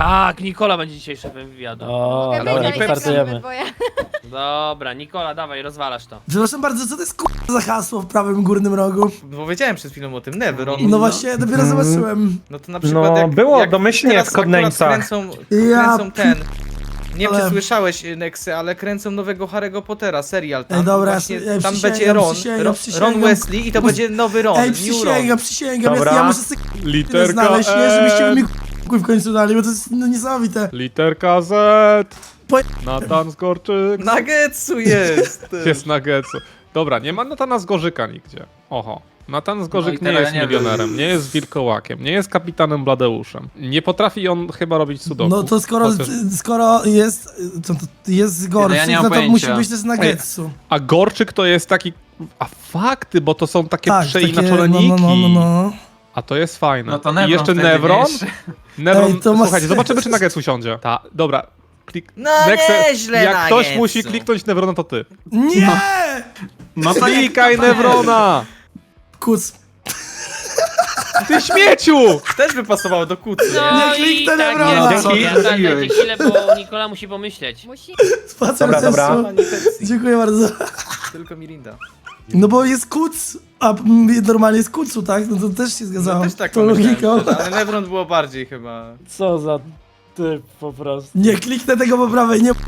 Tak, Nikola będzie dzisiaj szefem wywiadu. O, Mogę dobra, być, ale startujemy. bo ja... Dobra, Nikola, dawaj, rozwalasz to. Przepraszam bardzo, co to jest za hasło w prawym górnym rogu? Bo wiedziałem przed chwilą o tym, Nevron. No właśnie, dopiero zobaczyłem. No to na przykład No, jak, było jak domyślnie teraz w Codename'sach. kręcą ten... Nie wiem, czy Ale- słyszałeś, Nexy, ale kręcą nowego Harry'ego Pottera, serial tam. Ej, dobra, właśnie, ja tam przysięgam, będzie Ron, przysięgam, Ron przysięgam. Wesley i to będzie nowy Ron, Ej, New Ron. przysięgam, Dobra. ja muszę sobie Literka znaleźć, nie, żebyście mi E, w końcu dali, bo to jest no, niesamowite. literka Z. Po- Natan Zgorczyk. Nagetsu jest! Jest na Getsu. Dobra, nie ma Natana Zgorzyka nigdzie. Oho. Natan Zgorzyk No i nie teraz jest nie wiem. milionerem, nie jest wilkołakiem, nie jest kapitanem Bladeuszem. Nie potrafi on chyba robić sudoku. No to skoro jest, to jest Gorczyk, ja nie mam no to pojęcia. musi być też na Getsu. A Gorczyk to jest taki... A fakty, bo to są takie Tak, przeinaczone no, niki. no. A to jest fajne. No to I Nevron jeszcze wtedy, Nevron. wiesz. Nevron, Ej, to ma słuchajcie, sens. zobaczymy czy na Getsu siądzie. Dobra. No Nexe, nieźle jak ktoś Nagetsu. musi kliknąć Nevrona, to ty. Nie! No to Klikaj Nevrona! Kuc. Ty śmieciu! Też by pasowało do kucy, nie? No Nie i kliknę tak Nevrona. jest. Dzięki. Ja dajcie chwilę, bo Nikola musi pomyśleć. Musi... Spacer Dobra, dobra. sensu. Pani Pepsi, Dziękuję bardzo. tylko Mirinda. No bo jest kuc, a normalnie jest kucu, tak? No to też się No zgadzało. też tak to pomyślałem, logiką. szczerze, ale Nevron było bardziej chyba. Co za typ po prostu. Nie kliknę tego po prawej, nie.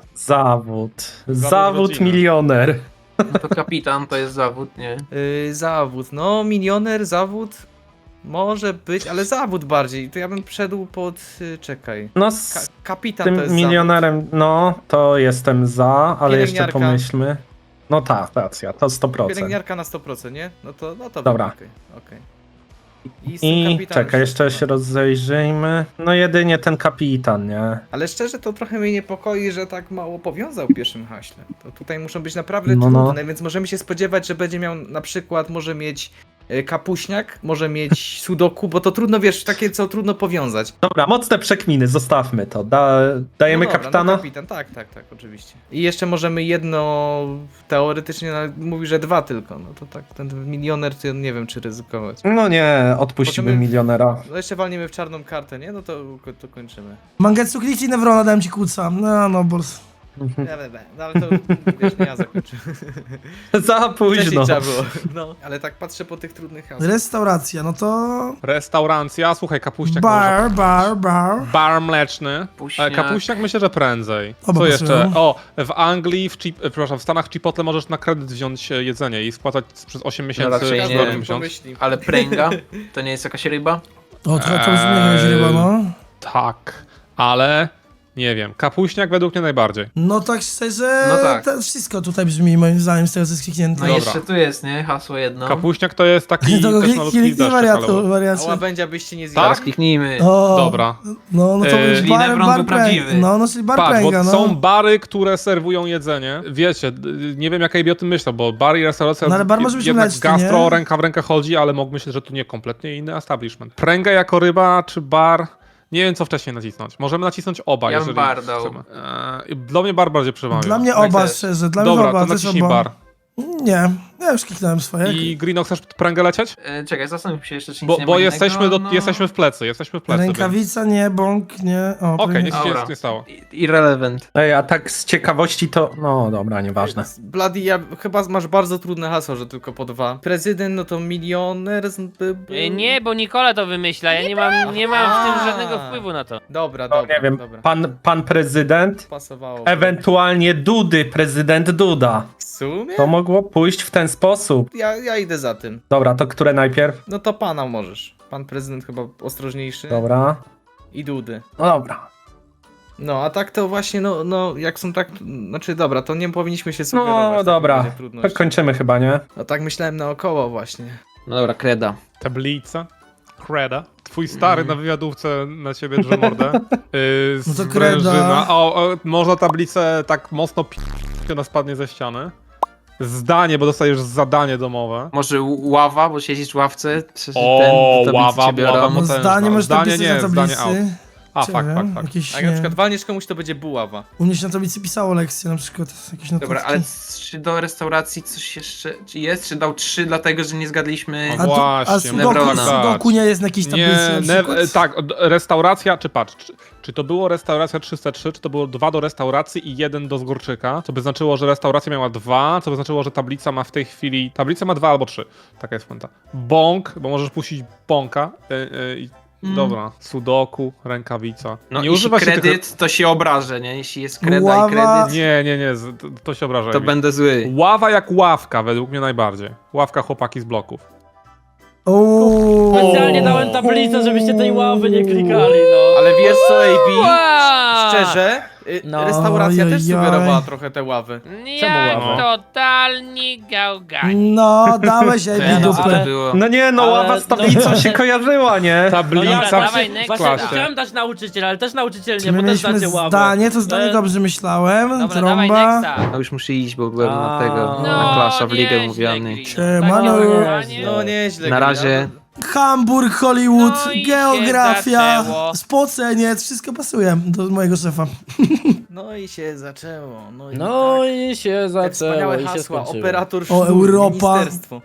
Zawód rodziny. milioner. No to kapitan to jest zawód, nie? Zawód, no milioner, zawód może być, ale zawód bardziej. To ja bym wszedł pod, czekaj. No Ka z kapitan to tym jest milionerem, no to jestem za, ale jeszcze Pielęgniarka. pomyślmy. No tak, racja, to zawód. 100%. Pielęgniarka na 100%, nie? No to Dobra. okej. I z tym I kapitanem czekaj, jeszcze wszystko. się rozejrzyjmy. No jedynie ten kapitan, nie? Ale szczerze to trochę mnie niepokoi, że tak mało powiązał w pierwszym haśle. To tutaj muszą być naprawdę No, no. trudne, więc możemy się spodziewać, że będzie miał na przykład, może mieć kapuśniak, może mieć sudoku, bo to trudno, wiesz, takie co trudno powiązać. Dobra, mocne przekminy, zostawmy to. Dajemy No dobra, kapitana? No kapitan, tak, oczywiście. I jeszcze możemy jedno, teoretycznie mówi, że dwa tylko, no to tak, ten milioner, to ja nie wiem, czy ryzykować. No nie, odpuściłbym Możemy- milionera. No jeszcze walniemy w czarną kartę, nie? No to kończymy. Mangetsu, kliknij Nevrona, dałem ci kuca. No, bors. No ale to, wiesz, nie ja zakończę. Za Wcześniej późno. trzeba było. No, ale tak patrzę po tych trudnych hasłach. Restauracja, no to... Restauracja, słuchaj, kapuściak Bar. Bar mleczny. Kapuśniak. Kapuściak myślę, że prędzej. Oba Co pasują. jeszcze? O, w Anglii, przepraszam, w Stanach Chipotle możesz na kredyt wziąć jedzenie i spłacać przez 8 miesięcy raczej w nie. dolny miesiąc. Pomyśli. Ale pręga? To nie jest jakaś ryba? O, to brzmi jakaś ryba, no. Tak, ale nie wiem. Kapuśniak według mnie najbardziej. No tak szczerze, No tak. to wszystko tutaj brzmi moim zdaniem z tego, co jest kliknięte. No i Dobra. jeszcze tu jest, nie? Hasło jedno. Kapuśniak to jest taki To też malutki kliknij deszczyk, wariatu, ale... A wariacie. łabędzia byście nie Zaraz zjadł. kliknijmy. O, Dobra. No to Czyli jest Nevron był pręg- prawdziwy. No, czyli bar Patrz, pręga, bo no. są bary, które serwują jedzenie. Wiecie, nie wiem jak AB o tym myślał, bo bar i restauracja No ale bar może być jednak mleczny, gastro nie? ręka w rękę chodzi, ale mógł myśleć, że tu nie, kompletnie inny establishment. Pręga jako ryba czy bar? Nie wiem co wcześniej nacisnąć. Możemy nacisnąć oba, Ja bym jeżeli bar dał. chcemy. Dla mnie bar bardziej przemawia. Dla mnie Tak oba, też. szczerze, dla mnie Dobra, oba, to też naciśnij oba. bar. Nie, ja już kliknąłem swoje. I Greeno, chcesz pręgę lecieć? Czekaj, zastanów się jeszcze, czy nic Bo, nie bo ma jesteśmy, innego, no. jesteśmy w plecy, więc... Rękawica, nie, bąk, nie. O, Okej, nic się Dobra. nie stało. Irrelevant. Ej, a tak z ciekawości to... No dobra, nieważne. Bloody, chyba masz bardzo trudne hasło, że tylko po dwa. Prezydent, no to milioner by był. Nie, bo Nikola to wymyśla, ja nie mam w tym żadnego wpływu na to. Dobra, No, dobra, nie wiem, dobra. pan prezydent, Pasowało. ewentualnie Dudy, prezydent Duda. W sumie? To mogło pójść w ten sposób. Ja idę za tym. Dobra, to które najpierw? No to pana możesz. Pan prezydent chyba ostrożniejszy. Dobra. I Dudy. No dobra. No, a tak to właśnie, no, jak są tak, znaczy dobra, to nie powinniśmy się sugerować. No w takim dobra, razie to trudności. kończymy chyba, nie? No tak myślałem naokoło właśnie. No dobra, kreda. Tablica. Kreda. Twój stary na wywiadówce na ciebie drze mordę. No to kreda. Sprężyna. Można tablicę tak mocno ona spadnie ze ściany. Zdanie, bo dostajesz zadanie domowe. Może ława, bo siedzisz w ławce. O, do tablicy ława, cię biorą. ława, No potężna. zdanie masz Zdanie tablicy nie, na zdanie tablicy. A, Czy fakt, wiem, fakt, fakt. Jakieś, A jak na nie, przykład walniesz komuś, to będzie buława. u mnie się na tablicy pisało lekcje, na przykład jakieś notatki. Dobra, ale czy do restauracji coś jeszcze czy jest? Czy dał 3 dlatego, że nie zgadliśmy? O, A, właśnie, sudoku, Nevrona. sudoku nie jest na jakiejś tablicy Nie, na przykład? tak, restauracja, czy patrz, czy to było restauracja 303, czy to było 2 do restauracji i 1 do zgórczyka, co by znaczyło, że restauracja miała 2, co by znaczyło, że tablica ma w tej chwili, tablica ma 2 albo 3, taka jest puenta. Bąk, bo możesz puścić bąka, dobra, sudoku, rękawica. No nie jeśli używa się kredyt, to się obrażę, nie? Jeśli jest kreda Ława. i kredyt, Nie, to się obraża. to Ewi. będę zły. Ława jak ławka, według mnie najbardziej. Ławka chłopaki z bloków. Ooo. Specjalnie dałem tablicę, żebyście tej ławy nie klikali, no. Ale wiesz co, AB? Wow! Szczerze, No, restauracja też ojojoj. sugerowała trochę te ławy. Jak ława? totalnie gałgani. No, dałeś jej No, co dupę. to było? No nie, no Ale- ława z tablicą się kojarzyła, nie? Tablica dobra, dawaj, next. w Właśnie klasie. chciałem dać nauczyciel, ale też nauczyciel Czy nie, my bo też mieliśmy dacie ławę. zdanie? To zdanie dobrze myślałem. Dobra, dawaj Trąba. nexta. No już muszę iść, bo byłem na tego, No, na klasza w ligę nieźle, mówiony. Green. Siemano. Tak, No nieźle. Na Gry, razie. Hamburg, Hollywood, No i się geografia, zaczęło. spoceniec, wszystko pasuje do mojego szefa. No i się zaczęło. No i, No tak. i się Jak zaczęło wspaniałe i się hasła, skończyło. operator O, sznur, Europa. ministerstwo.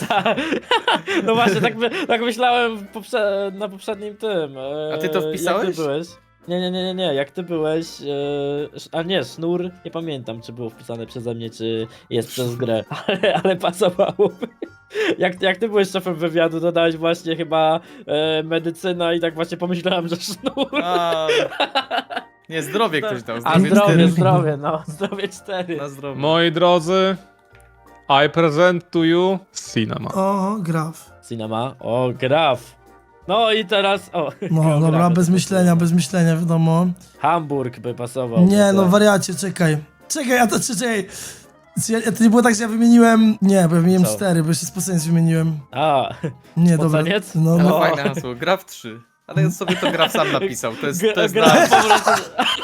No właśnie, tak myślałem na poprzednim tym. A ty to wpisałeś? Jak ty byłeś? Nie, jak ty byłeś, a nie, sznur, nie pamiętam, czy było wpisane przeze mnie, czy jest przez grę, ale pasowałoby. Jak ty byłeś szefem wywiadu, dodałeś właśnie chyba medycyna i tak właśnie pomyślałem, że sznur. A, nie, zdrowie ktoś dał. A zdrowie, 4. no, zdrowie 4. Na zdrowie. Moi drodzy, I present to you cinema. O, graf. Cinema, o, graf. No i teraz, o. No geografia. dobra, bez myślenia, wiadomo. Hamburg by pasował. Nie, no tak. wariacie, czekaj. Czekaj, a to czekaj. To nie było tak, że ja wymieniłem... Nie, bo ja wymieniłem Co? 4, bo jeszcze spoceniec wymieniłem. A, Nie, dobra. Spoceniec? No, Ale no. fajne hasło, graf 3. Ale ja sobie to graf sam napisał, to jest gra na... po prostu.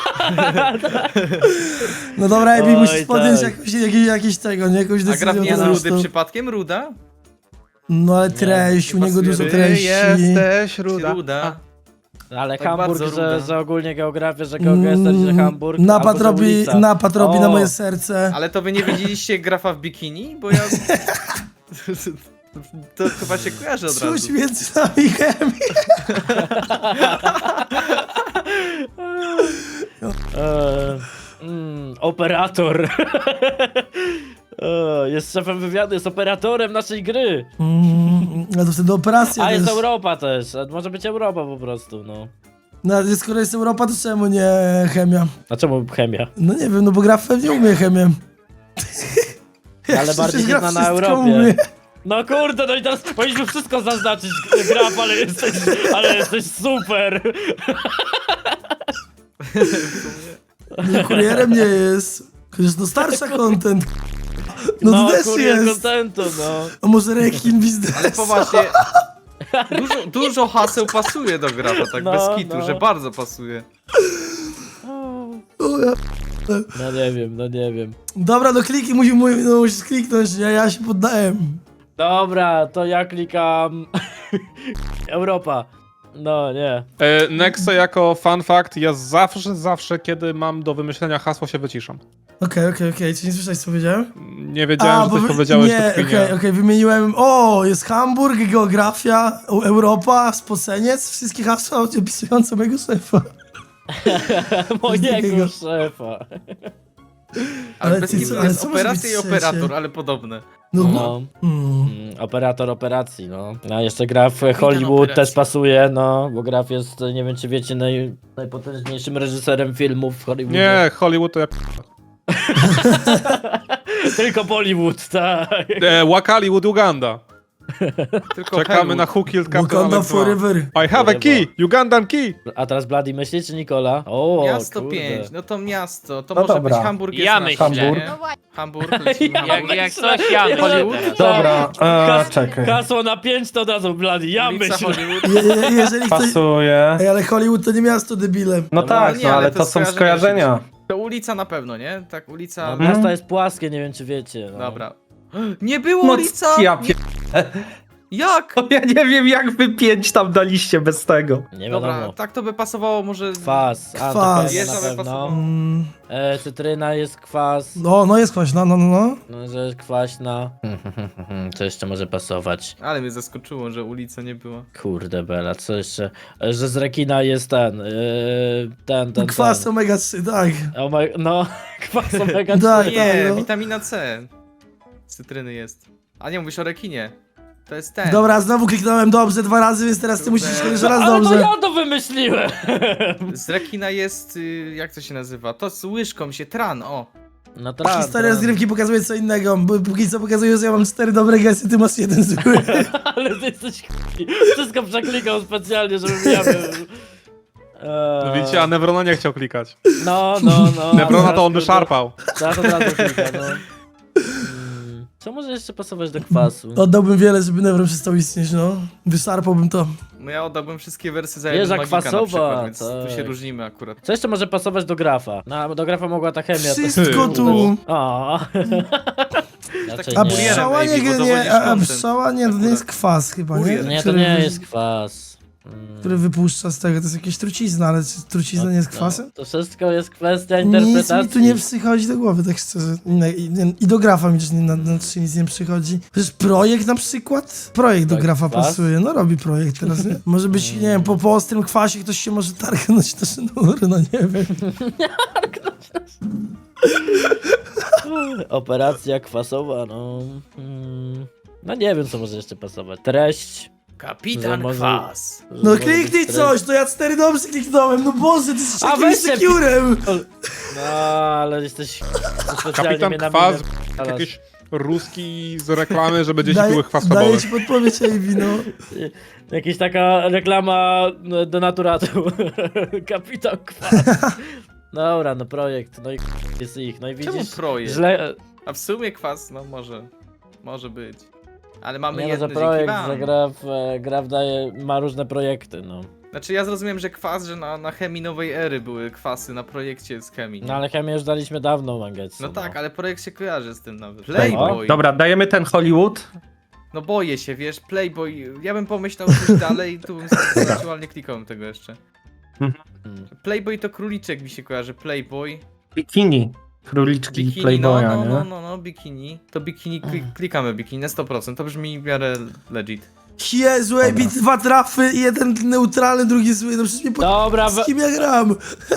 No dobra, Ebi, Oj, musisz podjąć tak. jakieś tego, nie? Jakąś A decyzję. graf nie jest po rudy prostu. przypadkiem? Ruda? No ale treść, u nie niego pasuje. dużo Ty treści. jesteś Ruda. Ale Tak Hamburg, bardzo ruda. że ogólnie geografia, że geografia, że Hamburg. Napad albo że robi, ulica. napad robi na O. moje serce. Ale to wy nie widzieliście grafa w bikini? Bo ja... To chyba się kojarzy od Czuć razu. między nami chemię. Operator. Jest szefem wywiadu, jest operatorem naszej gry. No to wtedy operacja A jest też. Europa też. A może być Europa po prostu, no. No ale skoro jest Europa, to czemu nie chemia? A czemu chemia? No nie wiem, no bo graf pewnie umie chemię. Ale bardziej Przecież graf zna na wszystko Europie. umie. No kurde, no i teraz powinniśmy wszystko zaznaczyć, Graf, ale jesteś super. Nie, kurierem nie jest. Chociaż no starsza content. No to też kurier jest. kontentu, no. A może rekin biznes? Ale poważnie... Dużo haseł pasuje do grafa, tak No, bez kitu, no. że bardzo pasuje. O, ja... No nie wiem. Dobra, no kliki, musisz kliknąć, nie? Ja się poddałem. Dobra, to ja klikam... Europa. No, nie. Nexe jako fun fact, ja zawsze kiedy mam do wymyślenia hasło się wyciszam. Okej, czy nie słyszałeś co powiedziałem? Nie wiedziałem, że coś powiedziałeś nie, pod chwilę. okej, wymieniłem, jest Hamburg, geografia, Europa, spoceniec, wszystkie hasła opisujące mojego szefa. Mojego takiego- szefa. Ale bez ty kitu co- ale jest co może operacja być i trzecie? operator, ale podobne. No, No. Operator operacji, no. A jeszcze Graf Kapitan Hollywood operacji. też pasuje, no. Bo Graf jest, nie wiem czy wiecie, najpotężniejszym reżyserem filmów w Hollywoodzie. Nie, Hollywood to ja... Tylko Bollywood, tak. Wakaliwood Uganda. Tylko Czekamy Hollywood. na Who Killed Captain Wakanda Alex 2. forever. I have a key! Ugandan key! A teraz Bloody myśli czy Nikola? O, Miasto kurde. 5, no to miasto, to No może dobra. być Hamburg jest Ja nasze, myślę. nie? Hamburg, lecimy Hamburg. Jak coś ja myślę Hollywood? teraz. Dobra, Kas- czekaj. Hasło na 5 to od razu Bloody, ja Ulica myślę. Hollywood. Jeżeli ktoś... Pasuje. Ej, ale Hollywood to nie miasto, debile. No tak, nie, no ale ale to to są skojarzenia skojarzenia. To ulica na pewno, nie? Tak, ulica... No, miasto jest płaskie, nie wiem czy wiecie. No. Dobra. Nie było No ulica! ja Nie... Jak? Ja nie wiem, jak wy 5 tam daliście bez tego. Nie Dobra, wiadomo. tak to by pasowało może... Kwas, a Kwas. to Jeża na by pewno. pasowało. Cytryna jest kwas. No jest kwaśna, no. No, że jest kwaśna. Co jeszcze może pasować? Ale mnie zaskoczyło, że ulica nie była. Kurde bela, co jeszcze? Że z rekina jest ten. Kwas omega 3, tak. No, kwas omega 3. Tak. Nie, no. witamina C. Z cytryny jest. A nie, mówisz o rekinie. To jest ten. Dobra, znowu kliknąłem dobrze 2 razy, więc teraz ty musisz jeszcze raz Ale to dobrze. ja to wymyśliłem! Z rekina jest, jak to się nazywa? To z łyżką się, tran, o. No tak. Historia rozgrywki pokazuje co innego, bo póki co pokazuje, że ja mam 4 dobre gesty, ty masz 1 zły. Ale ty jesteś wszystko przeklikał specjalnie, żebym ja był. No widzicie, a Nevrona nie chciał klikać. No. Nevrona to on by szarpał. Teraz od razu klika, no. Co może jeszcze pasować do kwasu? Oddałbym wiele, żeby Nevron przestał istnieć, no. Wyszarpałbym to. No ja oddałbym wszystkie wersy za Jeża jeden magika na kwasowa, przykład, więc tu tak. się różnimy akurat. Co jeszcze może pasować do grafa? No, do grafa mogła ta chemia. Wszystko tu. O. Raczej A nie. pszczoła Maybe, bo nie, dowodzisz a content. pszczoła nie, to nie jest kwas chyba, nie? Kurier. Nie, to Który nie wy- jest kwas. Który wypuszcza z tego, to jest jakieś trucizna, ale czy trucizna nie jest kwasem? To wszystko jest kwestia Nic interpretacji. mi tu nie przychodzi do głowy, tak szczerze. I do grafa mi też nic nie przychodzi. Przecież projekt na przykład? Projekt do Tak, grafa kwas? pasuje, no robi projekt teraz, nie? Może być, nie wiem, po ostrym kwasie ktoś się może targnąć na sznur, no nie wiem. Operacja kwasowa, no. No nie wiem, co może jeszcze pasować. Treść. Kapitan Może- Kwas. No Może kliknij być treść. coś, to ja 4 dobrze kliknąłem, no Boże, ty jesteś A takim weź się- sekurem! No, ale jesteś... specjalnie Kapitan mnie na Kwas, minę wpalasz. jakieś ruski z reklamy, że będzie piły Daję kwasowe. ci podpowiedź, Ejbi, no. Jakaś taka reklama do naturatu. Kapitan Kwas. Dobra, no projekt, no i jest ich, no i Czemu widzisz... projekt? Źle... A w sumie kwas, no może być. Ale mamy Nie no, jedno że dzięki projekt, wam. że graf ma różne projekty, no. Znaczy ja zrozumiałem, że kwas, że na chemii nowej ery były kwasy na projekcie z chemii. No ale chemię już daliśmy dawno, Mangetsu. No tak, ale projekt się kojarzy z tym nawet. O, Playboy. Dobra, dajemy ten Hollywood. No boję się, wiesz, Playboy. Ja bym pomyślał coś dalej, tu bym sobie zobaczył, ale nie klikałem tego jeszcze. Hmm. Playboy to króliczek mi się kojarzy, Playboy. Bikini. Króliczki Bikini, Playboya, nie? no, bikini. To bikini, klikamy bikini na 100%, to brzmi w miarę legit. Jezu, Ejbi, 2 trafy i 1 neutralny, drugi zły, no przecież mnie Dobra, z kim ja gram?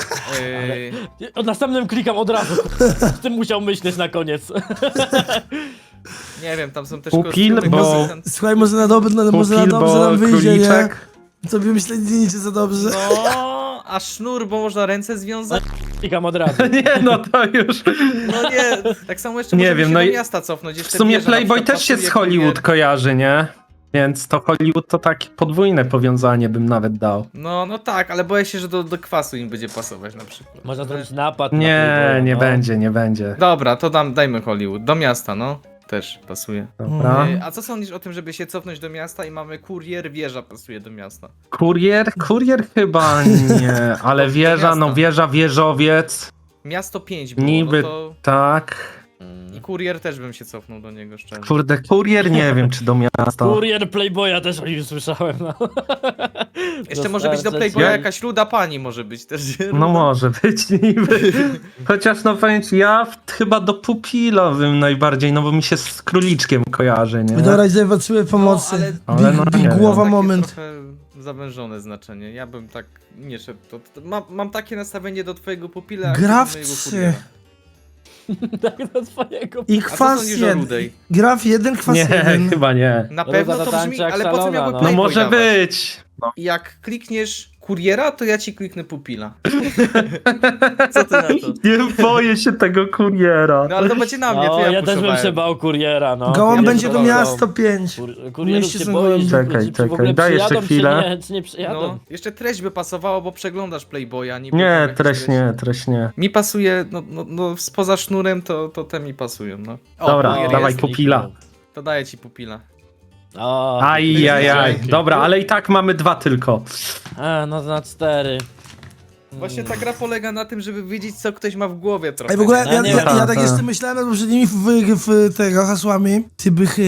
O następnym klikam od razu. Z tym musiał myśleć na koniec. Nie wiem, tam są też Pupil, kostiumy, bo- konsultant- Słuchaj, może na dobrze Pupil, nam wyjdzie, nie? króliczek. Tobie myślę, nie idzie za dobrze. No, a sznur, bo można ręce związać? Klikam od razu. Nie, no to już. No nie, tak samo jeszcze Nie możemy wiem, się no do i miasta cofnąć. W Jeszcze sumie wieża na Playboy przykład też się z pasuje, Hollywood kurier. kojarzy, nie? Więc to Hollywood to takie podwójne powiązanie bym nawet dał. No tak, ale boję się, że do kwasu im będzie pasować na przykład. Można zrobić napad na Nie, Playboya, nie no. będzie, nie będzie. Dobra, to dajmy Hollywood. Do miasta, no. Też pasuje. Dobra. A co sądzisz o tym, żeby się cofnąć do miasta i mamy kurier, wieża pasuje do miasta? Kurier chyba nie, ale Do wieża, no miasta. wieża, wieżowiec, Miasto 5 było, niby no to... tak. I kurier też bym się cofnął do niego, szczerze. Kurde, kurier nie wiem, czy do miasta. Kurier Playboya też o nim słyszałem, no. Jeszcze może być do Dostarczać- Playboya jakaś ruda pani może być też. No może być niby. Chociaż no powiem ci, ja chyba do Pupila bym najbardziej, no bo mi się z króliczkiem kojarzy, nie? Dobra, idę potrzebuję pomocy. ale no nie wiem. Głowa Takie moment. trochę zawężone znaczenie. Ja bym tak nie szedł. Mam takie nastawienie do twojego pupila. jak Graf do mojego 3. kuriera. Tak do swojego... I A co kwas sądzisz o 1. rudej? Graf 1, kwas Nie, 1. chyba nie. Na Ruda pewno to to tańczy brzmi, jak ale po co szalona, miałby no. No Playboy może dawać? być. No. Jak klikniesz kuriera, to ja ci kliknę pupila. Co ty na to? Nie boję się tego kuriera. No ale to będzie na mnie, to No, ja, ja też bym puszowałem. się bał kuriera, no. Gołąb Ja będzie bym do się bał. miasta 5. Kurierów Mieście się są boisz, gołębie. Czekaj, czy w czekaj, ogóle daj jeszcze przyjadą, chwilę. Czy nie przyjadą? No, jeszcze treść by pasowała, bo przeglądasz Playboya, Nie, treść nie. Mi pasuje, no spoza sznurem to te mi pasują, no. O, Dobra, kurier dawaj jest. pupila. To daję ci pupila. O, Ajajaj. Dzięki. Dobra, ale i tak mamy 2 tylko. no na 4. Właśnie ta gra polega na tym, żeby wiedzieć, co ktoś ma w głowie trochę. Ej, w ogóle No ja nie tak wiem. jeszcze myślałem nad poprzednimi w tego hasłami, ty bychy,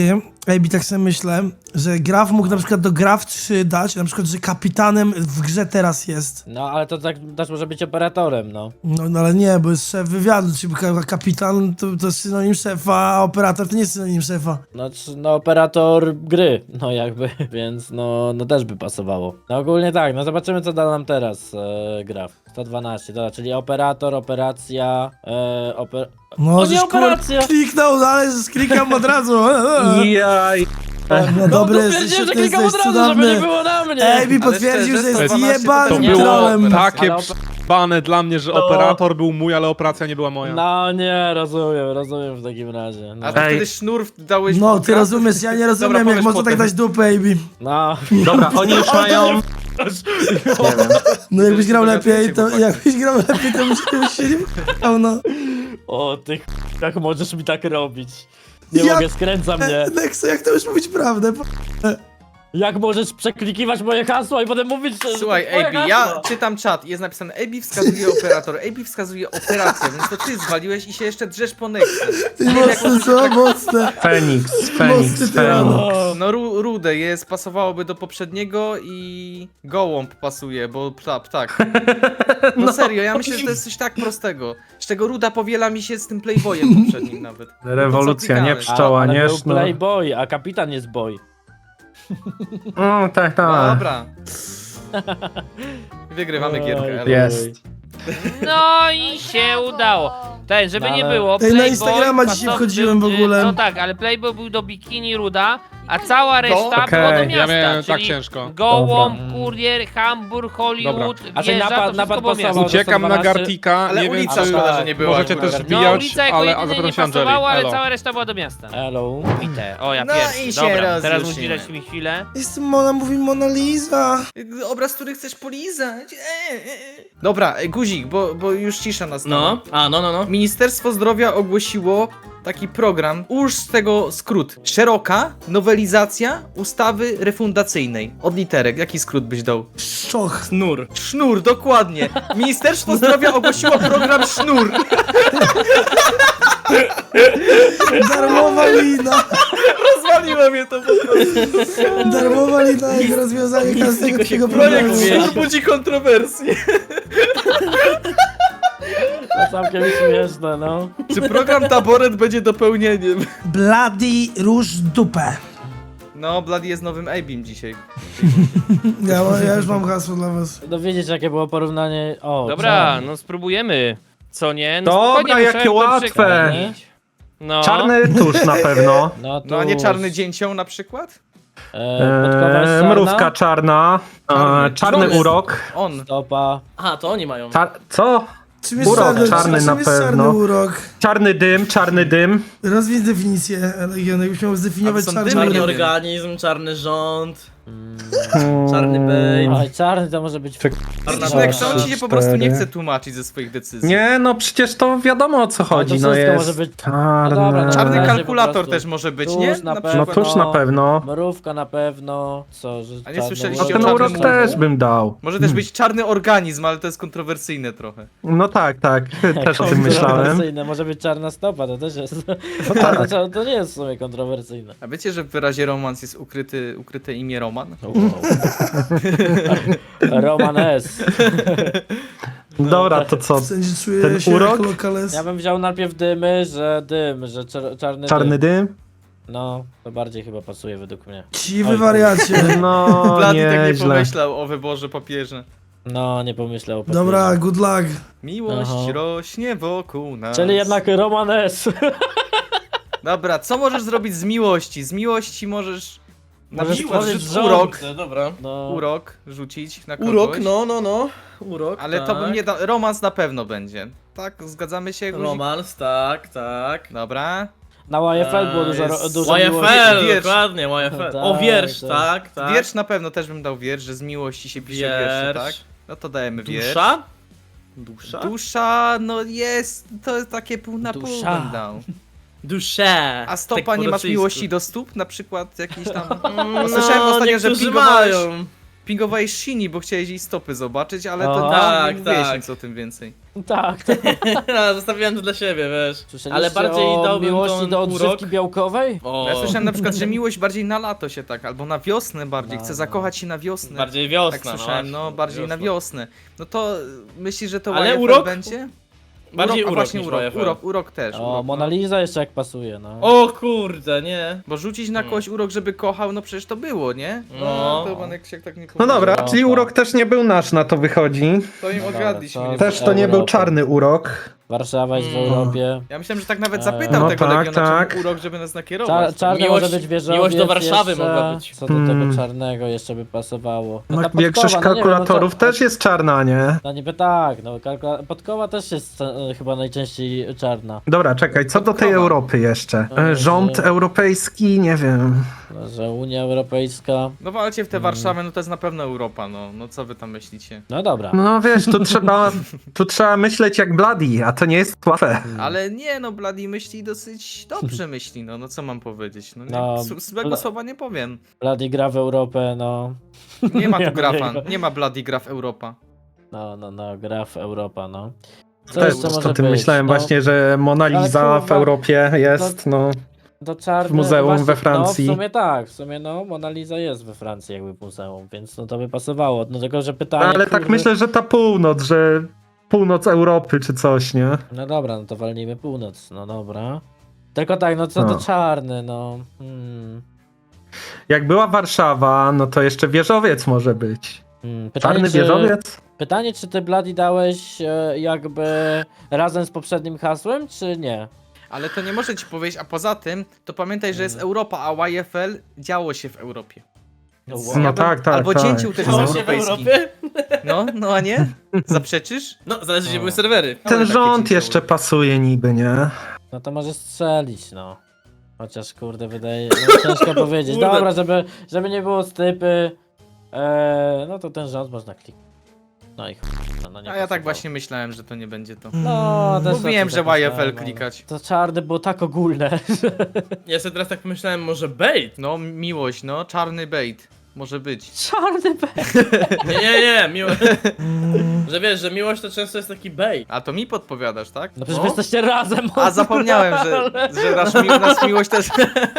Ej, tak sobie myślę, że Graf mógł na przykład do Graf 3 dać, na przykład, że kapitanem w grze teraz jest. No, ale to tak też może być operatorem, no. No ale nie, bo jest szef wywiadu, czyli kapitan to jest synonim szefa, a operator to nie jest synonim szefa. No, operator gry, no jakby, więc no też by pasowało. No ogólnie tak, no zobaczymy co da nam teraz Graf. 112, dobra, czyli operator, operacja, No, O, żeś, nie operacja! kliknął, no, ale że klikam od razu. Jaj. No dobry, stwierdziłem, jesteś, że ty klikam jesteś od razu, żeby nie cudowny. było na mnie! Ej, mi Ale potwierdził, szczerze, że jest 112 jebanym To było trollem. takie Ale bane dla mnie, że operator był mój, ale operacja nie była moja. No nie, rozumiem w takim razie. No, A ty Ej. wtedy sznur dałeś... No, w ty graf? rozumiesz, ja nie rozumiem, jak powiesz można tak potem. dać dupę, Ejbi. no. Dobra, oni już mają... Nie wiem. No jakbyś grał dogadujecie, lepiej, to chłopaki. byś się nie wkurał, no. O ty jak możesz mi tak robić? Nie Ja- mogę, skręca mnie. Nexo, jak to już mówić prawdę? Jak możesz przeklikiwać moje hasła i potem mówić, że Słuchaj, to twoje AB, ja hasło? czytam czat, jest napisane AB wskazuje operator, AB wskazuje operację, więc to ty zwaliłeś i się jeszcze drzesz po Nexie. Mocne, co? Mocne. Feniks, Mocny Feniks, tyran. Feniks. No rude jest, pasowałoby do poprzedniego i gołąb pasuje, bo ptak. No serio, ja myślę, że to jest coś tak prostego. Z czego ruda powiela mi się z tym Playboyem poprzednim nawet. Rewolucja, nie klikałeś? pszczoła, ale nie był sznur. playboy, a kapitan jest boy. Tak, tak. Dobra. Wygrywamy gierkę. Oj, elo. Jest. No i się udało. Ten, żeby No, nie ale- było, Ej, na Playboy Instagrama dzisiaj pasował- wchodziłem w ogóle. No tak, ale Playboy był do bikini ruda, a cała reszta Okej. była do Ja miasta, Ja miałem czyli tak ciężko. Gołąb, Dobra. Kurier, Hamburg, Hollywood, A czyli wieża, napad to wszystko było pasował. miasto. Uciekam na 112. Gartika, Ale nie wiem ulica czy szkoda, że nie była możecie akurat. też No wbijać, ulica jako ale jedynie zapytam nie się Angeli. pasowała, ale Elo. cała reszta była do miasta. Hello. Bite. O, ja No pierwszy. i się Dobra, teraz rozjuszymy. musisz dać mi chwilę. Jest mówi Mona Lisa. Obraz, który chcesz polizać. Dobra, guzik, bo już cisza nastała. No. Ministerstwo Zdrowia ogłosiło taki program, ułóż z tego skrót. Szeroka nowelizacja ustawy refundacyjnej. Od literek, jaki skrót byś dał? Szczoch. Snur. Sznur, dokładnie. Ministerstwo Zdrowia ogłosiło program Sznur. Darmowa lina. Rozwaliło mnie to po prostu. Darmowa lina jak rozwiązanie każdego tego Projekt problemu. Sznur budzi kontrowersje. To całkiem śmieszne, no. Czy program Taboret będzie dopełnieniem? Bloody róż dupę. No, Bloody jest nowym Abim dzisiaj. Ja już mam hasło dla was. No widzisz jakie było porównanie. O, Dobra, no spróbujemy. Co nie? No Dobra, spokojnie, jakie musiałem to łatwe. przekminić. No. Czarny tusz na pewno. No a nie czarny dzięcioł na przykład? Podkowa jest czarna, Mrówka czarna. Czarny Czarny. urok. On. stopa. Aha, to oni mają. Co? Czym jest Urok czarny, czarny czym na jest czarny pewno. urok? Czarny dym. Rozwij definicję, Legion, jakbyś miał zdefiniować A to są czarny dymy, Czarny urok. nie wiem. organizm, czarny rząd, czarny babe. Oj, czarny to może być... Widzisz, Dwa, Nexon ci się trzy, po prostu nie cztery. chce tłumaczyć ze swoich decyzji. Nie, no przecież to wiadomo o co chodzi. to No wszystko jest może być- czarny. No dobra, no. Czarny Razie po kalkulator prostu. też może być, Tuż nie? na No pewno. tuż na pewno. Mrówka na pewno. Co, że A nie czarny słyszeliście No o ten czarnym urok urok? też bym dał. Może też być czarny organizm, ale to jest kontrowersyjne trochę. No tak, też o tym myślałem. Kontrowersyjne, może być czarna stopa, to też jest... tak. To nie jest w sumie kontrowersyjne. A wiecie, że w wyrazie romans jest ukryte imię Roman? Roman S. Dobra, to co? W sensie czuję Ten się urok? jak lokales. Ja bym wziął najpierw dym, że czarny Czarny dym. dym? No, to bardziej chyba pasuje według mnie. Siwy Oj, wariacie. No, Blady tak nie nieźle. pomyślał o wyborze papieża. No, nie pomyślał o papierze. Dobra, good luck. Miłość Aha. rośnie wokół nas. Czyli jednak Roman S. Dobra, co możesz zrobić z miłości? Z miłości możesz... Na Możesz przykład stworzyć rzuć rząd. urok. Dobra. No, Urok rzucić na kogoś. Urok, no. Urok, Ale tak. to bym nie dał... Romans na pewno będzie. Tak, zgadzamy się, guzik? Romans, tak. Dobra. na YFL było dużo, jest dużo miłości. YFL, Wiersz. dokładnie, YFL. Tak, O, wiersz, tak. tak. Wiersz na pewno też bym dał wiersz, że z miłości się pisze wiersze, tak? No to dajemy wiersz. Dusza? Dusza? Dusza, no jest, to jest takie pół na pół Dusza. bym dał. Dusze. A stopa, Tak po nie masz rosyjsku. miłości do stóp? Na przykład jakiś tam... No, Słyszałem ostatnio, że niektórzy pingowałeś... mają. Pingowałeś Shini, bo chciałeś jej stopy zobaczyć, ale to O, tak, nie tak, mówiłeś tak. nic o tym więcej. Tak, Zostawiłem to dla siebie, wiesz. Słyszeliście Ale bardziej o dałbym miłości tą do odżywki urok. białkowej? O, Ja słyszałem na przykład, że miłość bardziej na lato się tak, albo na wiosnę bardziej, chce No. zakochać się na wiosnę. bardziej wiosna, Tak słyszałem, no bardziej na wiosnę. No to myślisz, że to Ale YFL urok? będzie? Bardziej a urok właśnie niż urok, YFL. urok też. O, urok, Mona no. Lisa jeszcze jak pasuje, no. O kurde, nie. Bo rzucić na kogoś urok, żeby kochał, no przecież to było, nie? No. To Manek się tak nie No powiedział. dobra, Europa. czyli urok też nie był nasz, na to wychodzi. To im No odgadliśmy. dobra, nie? co Też to nie był Europa. czarny urok. Warszawa jest w Europie. Ja myślałem, że tak nawet zapytał No tego tak, Legiona, tak. czemu urok, żeby nas nakierować. Czarny Miłość- może być wieżowiec miłość do Warszawy jeszcze. mogła być. Co do tego czarnego jeszcze by pasowało? No, ta Większość podkowa, no nie wiem, kalkulatorów no to- też jest czarna, nie? No niby tak, no podkowa też jest chyba najczęściej czarna. Dobra, czekaj, co do tej Podkowa. Europy jeszcze? No, Rząd że- europejski, nie wiem. No, że Unia Europejska. No walcie w tę Warszawę, no to jest na pewno Europa, no. No co wy tam myślicie? No dobra. No wiesz, tu trzeba myśleć jak Bloody, a to nie jest łatwe. Ale nie, no Bloody myśli dosyć dobrze myśli, no co mam powiedzieć? No, No, złego Bla- słowa nie powiem. Bloody gra w Europę, no. Nie ma tu Ja grafa, jego. nie ma Bloody gra w Europa. No, gra w Europa, no. Co Też jeszcze o może tym być? myślałem No, właśnie, że Mona Ale Lisa w kurwa, Europie jest, no. do czarne, w muzeum właśnie, we Francji. No w sumie tak, w sumie no Mona Lisa jest we Francji jakby w muzeum, więc no to by pasowało. No tylko, że pytanie, Ale tak kurde- myślę, że ta północ, że północ Europy czy coś, nie? No dobra, no to walnijmy północ, no dobra. Tylko tak, no co No. to czarny, no. Jak była Warszawa, no to jeszcze wieżowiec może być. Czarny czy, wieżowiec? pytanie, czy ty Bloody dałeś jakby razem z poprzednim hasłem, czy nie? Ale to nie może ci powiedzieć, a poza tym, to pamiętaj, że jest Europa, a YFL działo się w Europie. No, Więc No ja bym- tak, tak, Albo tak. cięcił też Działo jest się w europejski. Europie? No a nie? Zaprzeczysz? No, zależy gdzie były serwery. Ten takie rząd cięcie jeszcze były. pasuje niby, nie? No to może strzelić, no. Chociaż kurde, wydaje, no ciężko powiedzieć. Kurde. Dobra, żeby nie było stypy, no to ten rząd można kliknąć. No i no nie A ja tak pasowało. właśnie myślałem, że to nie będzie to. No, też Mówiłem, tak że myślałem, YFL ale klikać. To czarne było tak ogólne, że... Ja sobie teraz tak pomyślałem, może bait? No, miłość, no, czarny bait. Może być. Czarny B. Nie, miłość. Że wiesz, że miłość to często jest taki bait. A to mi podpowiadasz, tak? No przecież No. wy jesteście razem. A zapomniałem, że nas miłość też...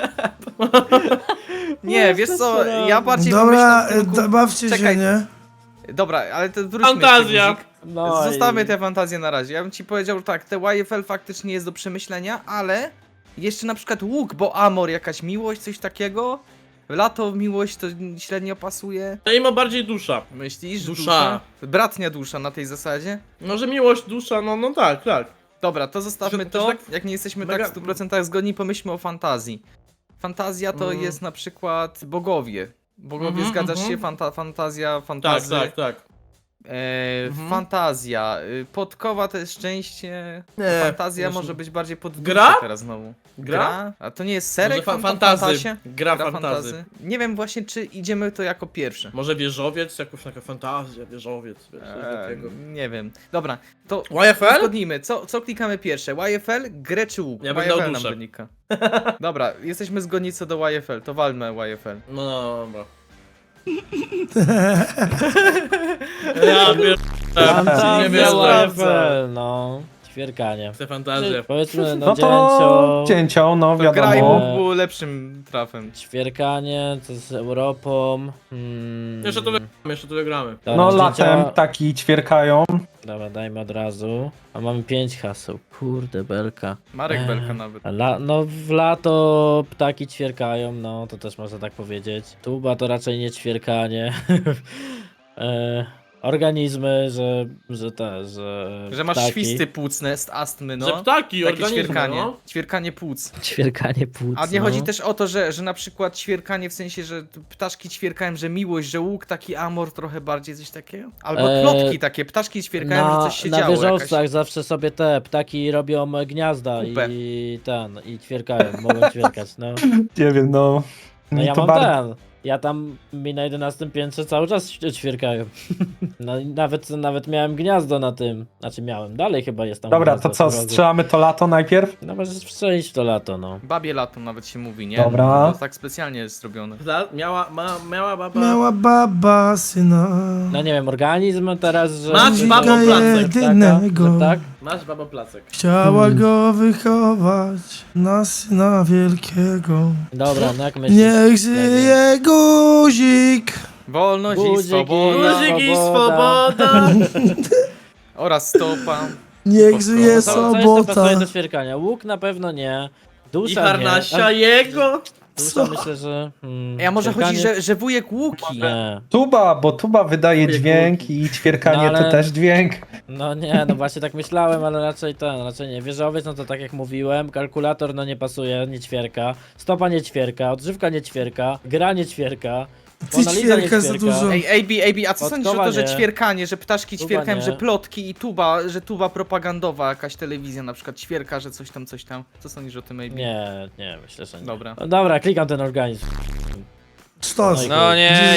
Nie, wiesz co, ja bardziej Dobra, pomyślałem w kierunku- bawcie Czekaj. się, nie? Dobra, ale to wróćmy Fantazja. jeszcze, guzik. No Zostawmy i- tę fantazję na razie. Ja bym ci powiedział tak, te YFL faktycznie jest do przemyślenia, ale jeszcze na przykład łuk, bo Amor, jakaś miłość, coś takiego. Lato, miłość to średnio pasuje. To im ma bardziej dusza. Myślisz? Dusza. Bratnia dusza na tej zasadzie? No, że miłość, dusza, no tak. Dobra, to zostawmy To- to to. tak Jak nie jesteśmy mega- tak w 100% zgodni, pomyślmy o fantazji. Fantazja to jest na przykład bogowie. Bogowie, zgadzasz się? Fantazja, fantazy. Tak. Fantazja. Podkowa to jest szczęście. Nie, Fantazja właśnie- może być bardziej pod Gra? teraz znowu. Gra? A to nie jest serek Może fantazy. fantazie? Gra fantazy. Nie wiem właśnie, czy idziemy to jako pierwsze. Może wieżowiec, jakąś taka fantazja, wieżowiec, wiesz, coś takiego. Nie wiem. Dobra, to YFL? uzgodnijmy. Co klikamy pierwsze? YFL, grę czy łuk? Ja bym dał YFL nam duszę. wynika. Dobra, jesteśmy zgodni co do YFL, to walmy YFL. No dobra. Ja wiem. Fantazja, Nie wiem, YFL, no. Ćwierkanie. Chcę fantazję. Powiedzmy, no No to cięcią, no To gra i wiadomo. łuk było lepszym trafem. Ćwierkanie, co z Europą. Jeszcze tu wygramy. Dobra, No zdjęcia- latem ptaki ćwierkają. Dobra, dajmy od razu. A mamy 5 haseł. Kurde, belka. Marek Belka nawet. No w lato ptaki ćwierkają, no to też można tak powiedzieć. Tuba to raczej nie ćwierkanie. Organizmy, Że masz ptaki. świsty płucne z astmy, no. Że ptaki, Takie organizmy, ćwierkanie. no. Ćwierkanie płuc. Ćwierkanie płuc. A nie no. chodzi też o to, że na przykład ćwierkanie w sensie, że ptaszki ćwierkają, że miłość, że łuk, taki amor trochę bardziej, coś takiego? Albo plotki takie, ptaszki ćwierkają, że coś się na działo. wieżowcach zawsze sobie te ptaki robią gniazda Kupę. i ćwierkają, mogą ćwierkać, no. Nie wiem, no. No Mi ja to mam bar- ten. ja tam mi na 11 piętrze cały czas ćwierkają. No i nawet miałem gniazdo na tym. Znaczy miałem, dalej chyba jest tam Dobra, gniazdo to co, w rogu. strzelamy to lato najpierw? No możesz strzelić w to lato, no. Babie lato nawet się mówi, nie? Dobra. To tak specjalnie jest zrobione. Miała baba... Miała baba syna. No nie wiem, organizm teraz, że... Masz że- babo że- placek, jedynego. że tak? Masz baba placek. Chciała go wychować na syna wielkiego. Dobra, no jak myślisz? Niech żyje guzik. Wolność i Guzik i- swoboda Guzik i Swoboda. swoboda! oraz stopa. Niech żyje Co jeszcze pasuje sobota. do ćwierkania? Łuk na pewno nie. I Dusza harnasia nie. jego! Dusza myślę, że... Ja może chodzi, ćwierkanie- że wujek Łuki. Nie. Tuba, bo tuba wydaje Ujej, dźwięk i ćwierkanie No, ale- to też dźwięk. No nie, no właśnie tak myślałem, ale raczej nie. Wieżowiec, no to tak jak mówiłem, kalkulator no nie pasuje, nie ćwierka, stopa nie ćwierka, odżywka nie ćwierka, gra nie ćwierka, Ty Mona Lisa nie ćwierka za ćwierka. dużo. Ej, AB, a co sądzisz o to, że Podkowanie. ćwierkanie, że ptaszki Tuba ćwierkają, nie. że plotki i że tuba propagandowa, jakaś telewizja na przykład ćwierka, że coś tam. Co sądzisz o tym, AB? Nie, myślę, że nie. Dobra. No dobra, klikam ten organizm. Sztos. No nie,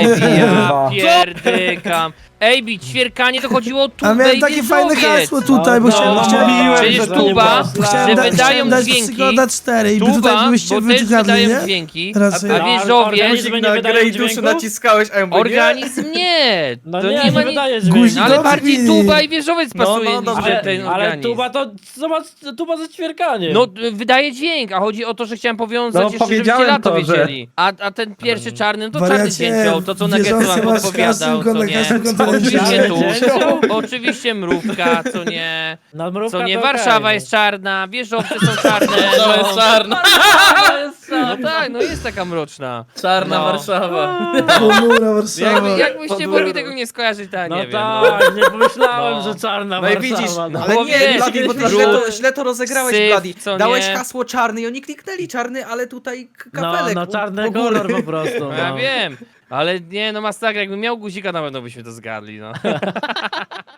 ja pierdykam. Ej, ćwierkanie to chodziło o tubę A miałem i takie fajne wieżowiec. hasło tutaj, bo No, chciałem... no, chciałem Przecież że to nie tuba, było że slang. wydają dać dźwięki. Przygoda 4 i by tutaj Tuba, byście bo też wyciągali, wydają nie? dźwięki, Raczej. a No, wieżowiec... organizm nie Na wydają grę i duszy dźwięku? naciskałeś, a ja mówię, nie. Organizm nie! No To nie, nie nie ma nic... wydaje Guzik dźwięku. No ale Dobrze, bardziej Wini. tuba i wieżowiec No, pasuje no, niż dobrze. ten Ale organizm. tuba to, zobacz, tuba za ćwierkanie. No, wydaje dźwięk, a chodzi o to, że chciałem powiązać No, jeszcze, żebyście powiedziałem lato to, że- wiedzieli. A ten pierwszy czarny, no to czarny Wariacie, cięcią, to co na wierzący Getsu masz odpowiadał, co na nie. każdym kontynencie. Oczywiście tu, Cięcią? oczywiście mrówka, co nie. No, mrówka Co nie, to Warszawa okej, jest czarna, wieżowce są czarne. To jest czarna! No tak, no jest taka mroczna. Czarna No. Warszawa. Ponura Warszawa. Jakbyście mogli tego nie skojarzyć, to ja No nie wiem. tak, nie pomyślałem, No. że czarna No i Warszawa. widzisz, no. ale Bo nie, wiesz, Bladi, bo ty brud, źle to rozegrałeś, syf, Bladi. co Dałeś nie. hasło czarny i oni kliknęli czarny, ale tutaj No, kapelek no czarny u góry. kolor po prostu. No No. ja wiem, ale nie, no masakra, jakbym miał guzika, na pewno byśmy to zgadli, no.